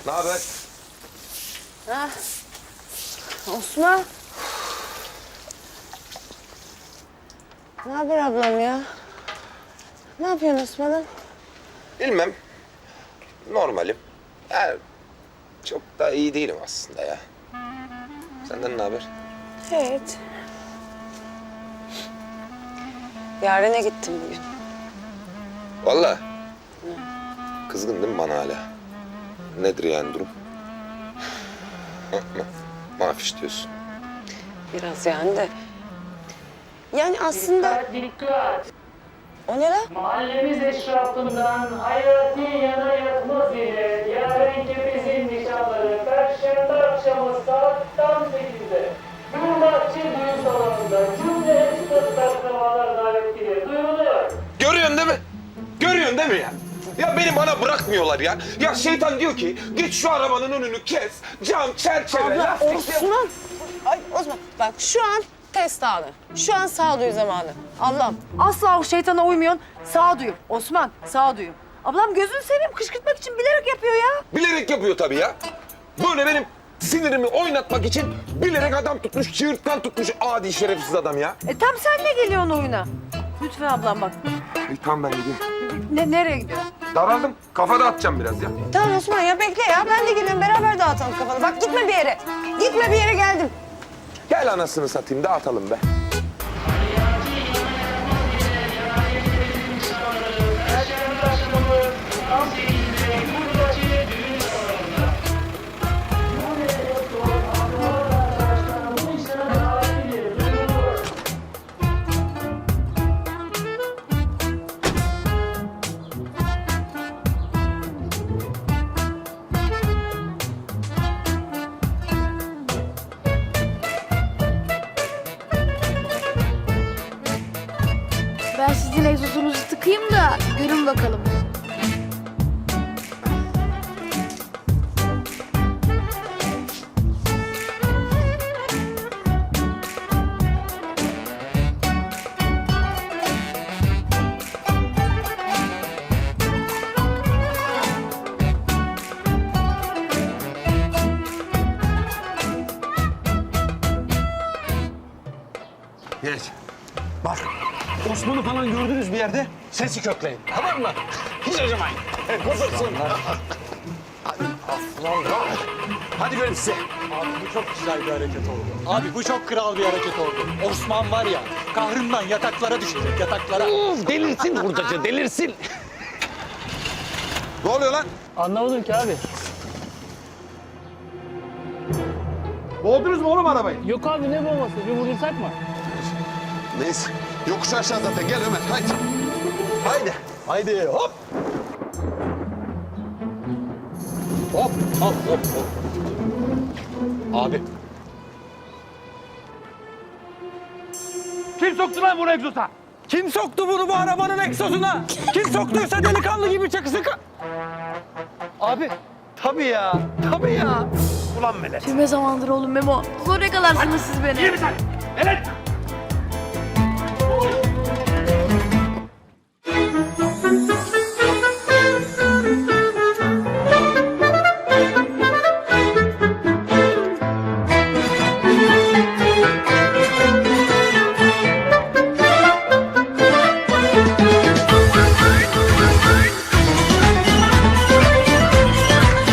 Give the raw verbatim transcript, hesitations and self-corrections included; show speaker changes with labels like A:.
A: Ne haber?
B: Ha. Osman. Ne haber ablam ya? Ne yapıyorsun Osman'ım?
A: Bilmem. Normalim. Yani çok da iyi değilim aslında ya. Senden ne haber?
B: Evet. Yaren'e gittim bugün.
A: Vallahi. Kızgın değil mi bana hala? Nedir yani durum? Ma ma mafiş diyorsun.
B: Biraz yani de. Yani aslında...
C: Dikkat, dikkat!
B: O ne lan?
C: Mahallemiz eşrafından hayati yana yatmaz ile Yaren Kepez'in nişanları Perşembe akşamı saat tam sekizde Gülbahçe Düğün Salonu'nda cümle üstad akrabalar davetlidir. Duyuruluyor.
A: Görüyorsun değil mi? Görüyorsun değil mi ya? Ya beni bana bırakmıyorlar ya. Ya şeytan diyor ki git şu arabanın önünü kes. Cam, çerçeve,
B: Abla
A: lastik...
B: Osman. Ay Osman bak şu an test anı. Şu an sağduyu zamanı. Ablam.
D: Asla o şeytana uymuyorsun. Sağduyu. Osman, sağduyu. Ablam gözünü seveyim kışkırtmak için bilerek yapıyor ya.
A: Bilerek yapıyor tabii ya. Böyle benim sinirimi oynatmak için bilerek adam tutmuş, çığırtkan tutmuş adi şerefsiz adam ya.
D: E tam sen ne geliyorsun oyuna? Lütfen ablam bak.
A: İyi tamam ben gideyim.
D: Ne, nereye gidiyorsun?
A: Daraldım. Kafa dağıtacağım biraz ya.
B: Tamam Osman ya bekle ya. Ben de geliyorum. Beraber dağıtalım kafanı. Bak gitme bir yere. Gitme bir yere geldim.
A: Gel anasını satayım dağıtalım be.
C: Perşembe akşamı tam sekizde Gülbahçe Düğün Salonu'nda. Cümle üstad akrabalar arkadaşlar bu işlere davetlidir. Duyuruluyor.
E: Ben sizin egzozunuzu tıkayım da görün bakalım.
F: Geç. Bak, Osman'ı falan gördünüz bir yerde, sesi kökleyin. Tamam mı? Hiç acımayın. Evet, kopursun. Hadi aslan. Hadi göreyim size.
G: Abi bu çok güzel bir hareket oldu. Abi bu çok kral bir hareket oldu. Osman var ya, kahrından yataklara düşecek, yataklara.
F: Uf, delirsin hurdacı, delirsin.
A: Ne oluyor lan?
G: Anlamadım ki abi.
F: Boğdunuz mu oğlum arabayı?
G: Yok abi ne bombası, bir vurursak mı?
F: Neyse, yokuş aşağı zaten. Gel Ömer, haydi. Haydi. Haydi, hop.
G: Hop, hop, hop, hop. Abi.
F: Kim soktu lan bunu egzoza? Kim soktu bunu bu arabanın egzozuna? Kim soktuysa delikanlı gibi çakısı ka... Abi. Tabii ya, tabii ya. Ulan Melek.
E: Tüm zamandır oğlum Memo. Zor yakalarsınız siz beni.
F: Yürü sen. Melek.